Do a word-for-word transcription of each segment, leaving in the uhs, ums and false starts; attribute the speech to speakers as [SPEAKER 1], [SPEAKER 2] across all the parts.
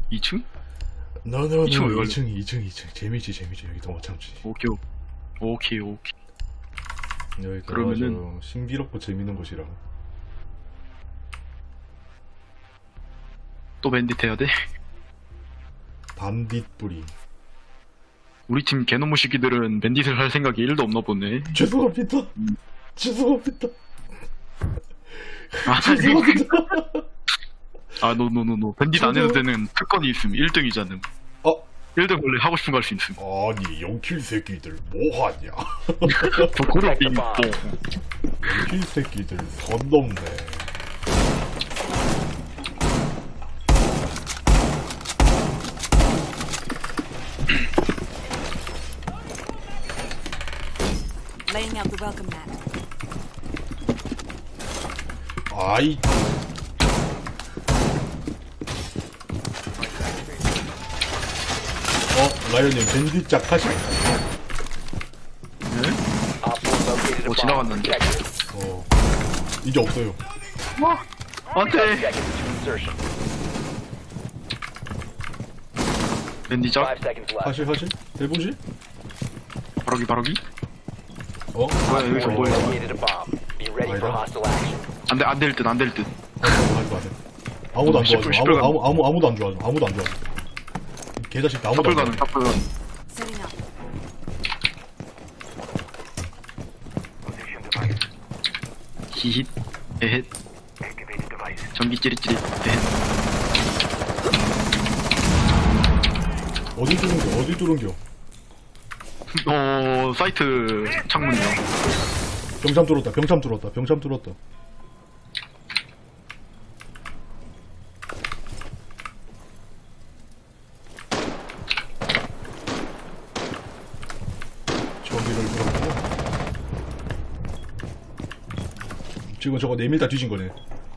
[SPEAKER 1] 이 층?
[SPEAKER 2] 너너너
[SPEAKER 1] 이 층은 왜
[SPEAKER 2] 이 층 이 층 이 층 재미지 재미지 여기 더 못 참지.
[SPEAKER 1] 오케이 오케이 오케이.
[SPEAKER 2] 여기
[SPEAKER 1] 그러면은-
[SPEAKER 2] 아주 신비롭고 재밌는 곳이라.
[SPEAKER 1] 또 밴딧 해야 돼?
[SPEAKER 2] 반딧 뿌리.
[SPEAKER 1] 우리 팀 개놈의 시기들은 밴딧을 할 생각이 일도 없나 보네.
[SPEAKER 2] 죄송합니다. 죄송합니다.
[SPEAKER 1] 아,
[SPEAKER 2] 죄송합니다.
[SPEAKER 1] 아, 노노노노. 밴딧 안 해도 되는 특권이 있음. 일 등이잖음.
[SPEAKER 2] 어?
[SPEAKER 1] 일 등 원래 하고 싶은 거 할 수 있음.
[SPEAKER 2] 아니 영킬 새끼들 뭐하냐.
[SPEAKER 1] 고로 빙뽕.
[SPEAKER 2] 영킬 새끼들 선 넘네.
[SPEAKER 3] Laying out the welcome mat.
[SPEAKER 2] 아이. 어, 라이언님 밴딧 짝 하시.
[SPEAKER 1] 네? 어, 지나갔는데.
[SPEAKER 2] 어, 이제 없어요.
[SPEAKER 1] 안 돼! 밴디작?
[SPEAKER 2] 하시 하시 해보시.
[SPEAKER 1] 바라기, 바라기?
[SPEAKER 2] 어?
[SPEAKER 1] 뭐야, 여기서 뭐야?
[SPEAKER 2] 아니다.
[SPEAKER 1] 안 돼, 안 될 듯, 안 될 듯.
[SPEAKER 2] 하지 마세요. 아무도 안
[SPEAKER 1] 십분,
[SPEAKER 2] 좋아하죠.
[SPEAKER 1] 십분
[SPEAKER 2] 아무, 아무, 아무, 아무도 안 좋아하죠. 아무도 안 좋아하죠. 개자식 아무도
[SPEAKER 1] 탑불
[SPEAKER 2] 안
[SPEAKER 1] 가는,
[SPEAKER 2] 좋아하죠.
[SPEAKER 1] 탑불 가는.
[SPEAKER 3] Setting up.
[SPEAKER 1] 히힛, 에헷. 전기 찌릿찌릿, 에헷.
[SPEAKER 2] 어디 뚫은겨? 어디 뚫은겨?
[SPEAKER 1] 어, 사이트 창문이요.
[SPEAKER 2] 병참 뚫었다. 병참 뚫었다. 병참 뚫었다. 저기를 뚫었고. 지금 저거 내밀다 뒤진 거네.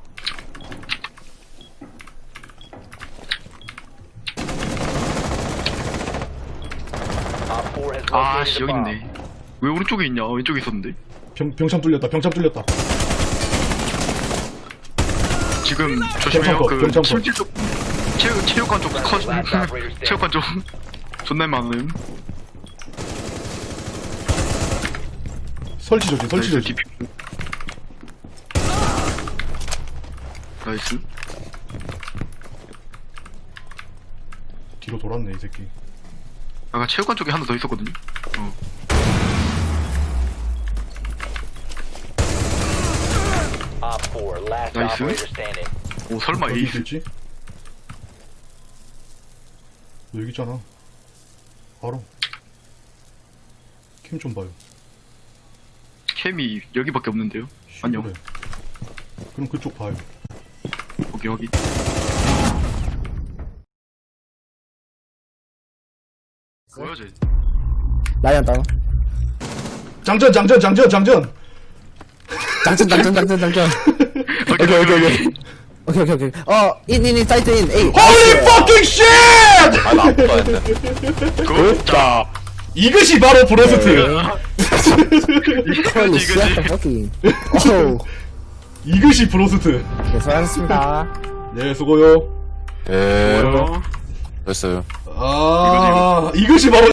[SPEAKER 1] 아씨, 여기 있네. 왜 오른쪽에 있냐? 왼쪽에 있었는데.
[SPEAKER 2] 병, 병참 뚫렸다. 병참 뚫렸다.
[SPEAKER 1] 지금 조심해요.
[SPEAKER 2] 병창 컷,
[SPEAKER 1] 그
[SPEAKER 2] 병창 컷.
[SPEAKER 1] 침실 쪽, 체육 체육관 쪽 컷, 체육관 쪽 존나 많음.
[SPEAKER 2] 설치 조지. 설치 조지.
[SPEAKER 1] 나이스.
[SPEAKER 2] 뒤로 돌았네 이 새끼.
[SPEAKER 1] 아까 체육관 쪽에 하나 더 있었거든요. 어. 나이스. 오, 설마
[SPEAKER 2] 어디
[SPEAKER 1] 에이스.
[SPEAKER 2] 있겠지? 너 여기 있잖아. 바로. 캠 좀 봐요.
[SPEAKER 1] 캠이 여기밖에 없는데요. 안녕.
[SPEAKER 2] 그래. 그럼 그쪽 봐요.
[SPEAKER 1] 여기 여기. 뭐야 쟤?
[SPEAKER 4] 라이언 다운.
[SPEAKER 2] 장전 장전 장전 장전.
[SPEAKER 4] 장전, 장전, 장전, 장전.
[SPEAKER 1] 오케이 오케이 오케이.
[SPEAKER 4] 오케이, 오케이, 오케이. 어, 인, 인, 인, 사이트 인. 에이.
[SPEAKER 2] Holy fucking shit!
[SPEAKER 5] 아, 나 아무도 안 돼.
[SPEAKER 1] 굿다.
[SPEAKER 2] 이것이 바로 브로스트.
[SPEAKER 4] 홀리
[SPEAKER 1] 이거지
[SPEAKER 4] 씨,
[SPEAKER 1] 이거지.
[SPEAKER 4] 퍼킹. 오우.
[SPEAKER 2] 이것이 브로스트.
[SPEAKER 4] 네, 수고하셨습니다.
[SPEAKER 2] 네 수고요.
[SPEAKER 5] 네.
[SPEAKER 1] 뭐야?
[SPEAKER 5] 됐어요.
[SPEAKER 2] 아 이것이 바로